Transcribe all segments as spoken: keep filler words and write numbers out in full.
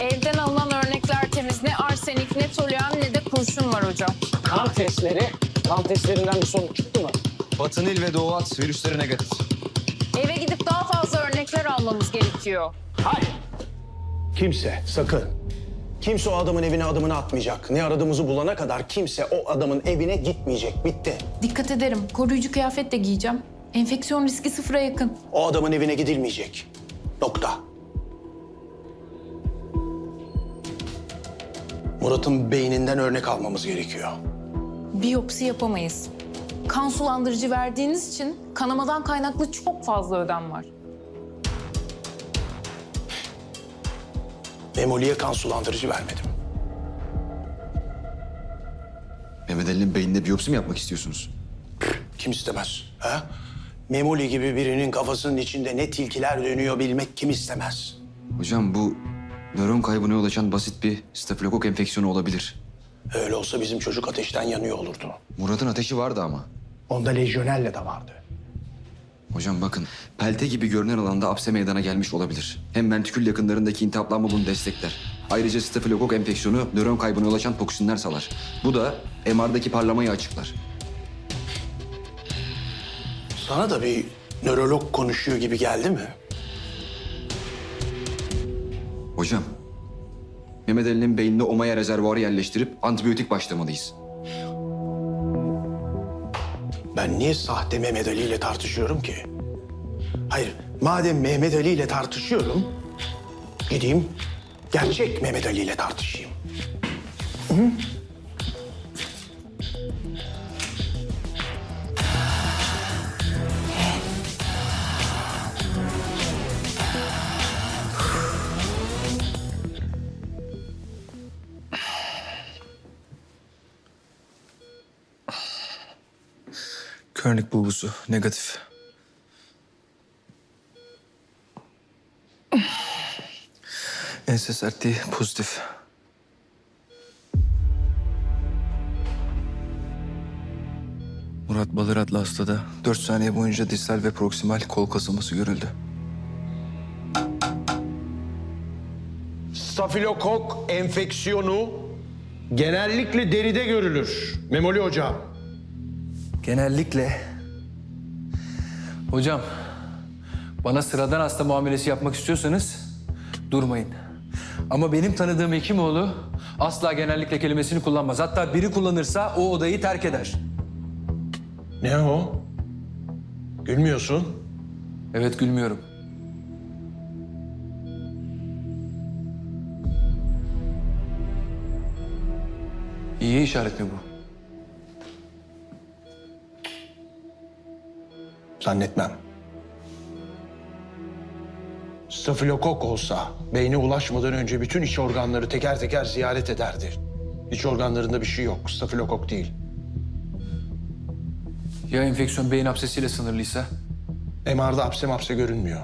Evden alınan örnekler temiz. Ne arsenik, ne toluen, ne de kurşun var hocam. Kan testleri, kan testlerinden bir sonuç çıktı mı? Batı Nil ve Doğu At virüsleri negatif. Eve gidip daha fazla örnekler almamız gerekiyor. Hayır. Kimse sakın. Kimse o adamın evine adımını atmayacak. Ne aradığımızı bulana kadar kimse o adamın evine gitmeyecek. Bitti. Dikkat ederim. Koruyucu kıyafet de giyeceğim. Enfeksiyon riski sıfıra yakın. O adamın evine gidilmeyecek. Nokta. Murat'ın beyninden örnek almamız gerekiyor. Biyopsi yapamayız. Kan sulandırıcı verdiğiniz için kanamadan kaynaklı çok fazla ödem var. Memoli'ye kan sulandırıcı vermedim. Mehmet Ali'nin beyninde biyopsi mi yapmak istiyorsunuz? Kim istemez? Ha? Memoli gibi birinin kafasının içinde ne tilkiler dönüyor bilmek kim istemez? Hocam bu nöron kaybına yol açan basit bir stafilokok enfeksiyonu olabilir. Öyle olsa bizim çocuk ateşten yanıyor olurdu. Murat'ın ateşi vardı ama. Onda lejyonelle de vardı. Hocam bakın, pelte gibi görünen alanda apse meydana gelmiş olabilir. Hem ventrikül yakınlarındaki iltihaplanma bunu destekler. Ayrıca stafilokok enfeksiyonu nöron kaybına yol açan toksinler salar. Bu da M R'daki parlamayı açıklar. Sana da bir nörolog konuşuyor gibi geldi mi? Hocam, Mehmet Ali'nin beynine omaya rezervuarı yerleştirip antibiyotik başlamalıyız. Ben niye sahte Mehmet Ali ile tartışıyorum ki? Hayır, madem Mehmet Ali ile tartışıyorum, gideyim gerçek Mehmet Ali ile tartışayım. Hı? Körnik bulgusu negatif. Ense sertliği pozitif. Murat Balır adlı hastada dört saniye boyunca distal ve proksimal kol kasılması görüldü. Stafilokok enfeksiyonu genellikle deride görülür. Memoli hocam. Genellikle... Hocam, bana sıradan hasta muamelesi yapmak istiyorsanız durmayın. Ama benim tanıdığım Hekimoğlu asla genellikle kelimesini kullanmaz. Hatta biri kullanırsa o odayı terk eder. Ne o? Gülmüyorsun. Evet, gülmüyorum. İyi işaret mi bu? Zannetmem. Stafilokok olsa beyne ulaşmadan önce bütün iç organları teker teker ziyaret ederdi. İç organlarında bir şey yok. Stafilokok değil. Ya enfeksiyon beyin absesiyle sınırlıysa? M R'da hapse mapse görünmüyor.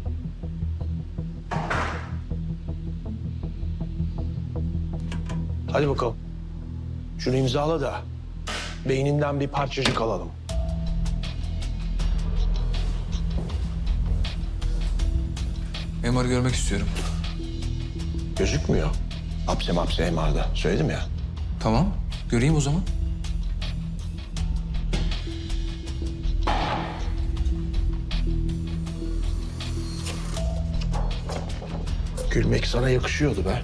Hadi bakalım. Şunu imzala da beyninden bir parçacık alalım. M R görmek istiyorum. Gözükmüyor. Hapse mapse M R'da. Söyledim ya. Tamam, göreyim o zaman. Gülmek sana yakışıyordu be.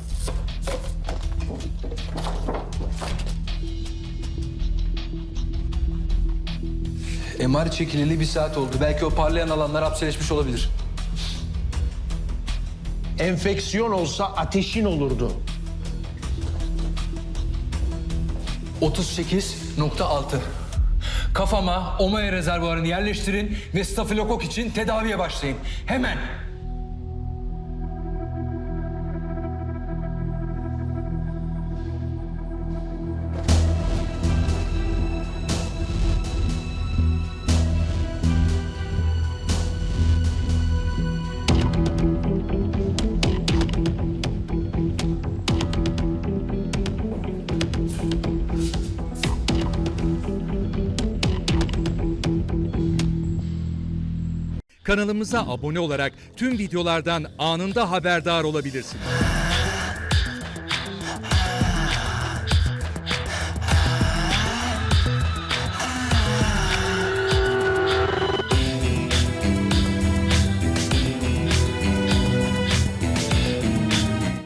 M R çekileli bir saat oldu. Belki o parlayan alanlar hapseleşmiş olabilir. Enfeksiyon olsa ateşin olurdu. otuz sekiz nokta altı. Kafama omaya rezervuarını yerleştirin ve stafilokok için tedaviye başlayın. Hemen. Kanalımıza abone olarak tüm videolardan anında haberdar olabilirsiniz.